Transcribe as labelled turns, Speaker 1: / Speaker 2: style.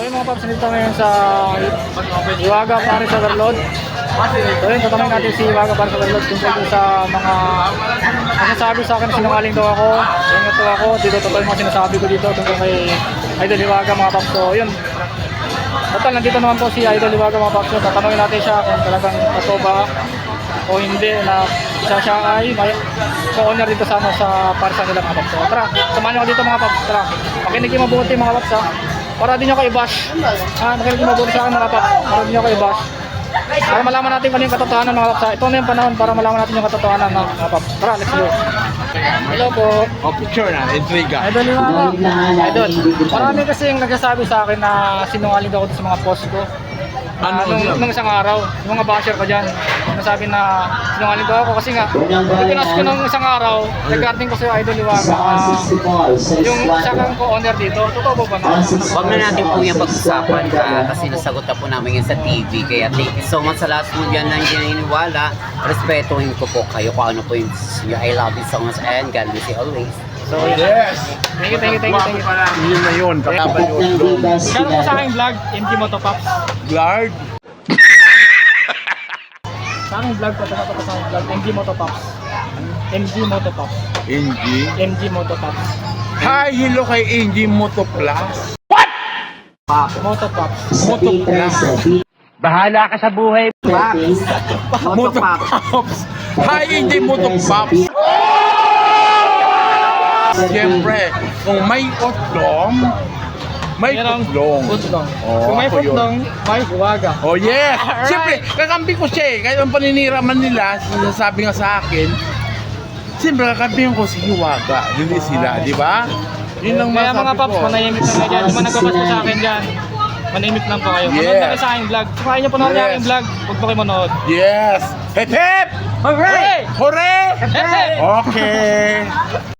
Speaker 1: yung mga paps, nandito ngayon sa Hiwaga Paris Overload. So yun, tatanungin natin si Hiwaga Paris Overload tungkol sa mga nasasabi sa akin, sinungaling daw ako, ingat daw ako, dito totoo yung mga sinasabi ko dito tungkol kay Idol Hiwaga mga paps. So yun, total nandito naman po si Idol Hiwaga mga paps. Tatanungin natin siya kung talagang totoo ba o hindi na siya ay may co-owner dito sa Parsa nila mga paps. So tara, samahan nyo dito mga paps. Tara, makinig yung mabuti mga paps ha, para di nyo kayo bash. Makinig yung mabuti sa akin mga paps, para di nyo kayo bash, para malaman natin kung yung katotohanan mga paps. Ito na yung panahon para malaman natin yung katotohanan mga paps. Tara, let's go. Hello po.
Speaker 2: O, picture na, intriga.
Speaker 1: Idol Hiwaga. Idol, marami kasi yung nagsasabi sa akin na sinungaling ako sa mga post ko. Nung isang araw, yung mga basher ko dyan, nasabi na sinungaling daw ako kasi nga, pinas ko nung isang araw, regarding ko sa Idol Hiwaga, yung isa kang co-owner dito, totoo ba na?
Speaker 3: Huwag na natin po yung pag-usapan kasi nasagot na po namin yan sa TV. Kaya thank you so much sa lahat mo dyan na hindi naniniwala. Respetuhin ko po kayo kung ano po yung I love you so much and God bless you always.
Speaker 1: So,
Speaker 2: Yes!
Speaker 1: thank you.
Speaker 2: Yun na yun, kakaban yun.
Speaker 1: Share mo sa aking vlog, MG Motopops.
Speaker 2: Glard.
Speaker 1: Sa aking vlog, patapos sa aking vlog, MG Motopops. MG Motopops.
Speaker 2: NG.
Speaker 1: MG Motopops.
Speaker 2: Hi, hello kay NG Moto Plus.
Speaker 1: Motopops.
Speaker 2: Moto Plus.
Speaker 3: Bahala ka sa buhay, Pops!
Speaker 2: Moto Pops. Hi, NG Moto Pops. Siyempre, kung may otlong, may putlong.
Speaker 1: Putlong.
Speaker 2: Oh,
Speaker 1: Kung may
Speaker 2: ako yun.
Speaker 1: putlong, may Hiwaga.
Speaker 2: Oh yes!
Speaker 1: Alright.
Speaker 2: Siyempre, kakampi ko siya eh. Kahit ang paninira man nila, sinasabi nga sa akin, siyempre kakampihan ko si Hiwaga, hindi sila, di ba? Yun lang
Speaker 1: Kaya
Speaker 2: masabi
Speaker 1: mga paps,
Speaker 2: ko.
Speaker 1: manahimik lang kayo dyan. Di ba nagbabasto sa akin dyan? Manahimik lang po kayo.
Speaker 2: Yeah.
Speaker 1: Manood na kayo sa aking vlog. Sumahin nyo po na
Speaker 2: Yes.
Speaker 1: aking vlog. Huwag po kayo manood.
Speaker 2: Yes! Hep hep!
Speaker 1: Hooray!
Speaker 2: Hooray!
Speaker 1: Hep, hep!
Speaker 2: Okay!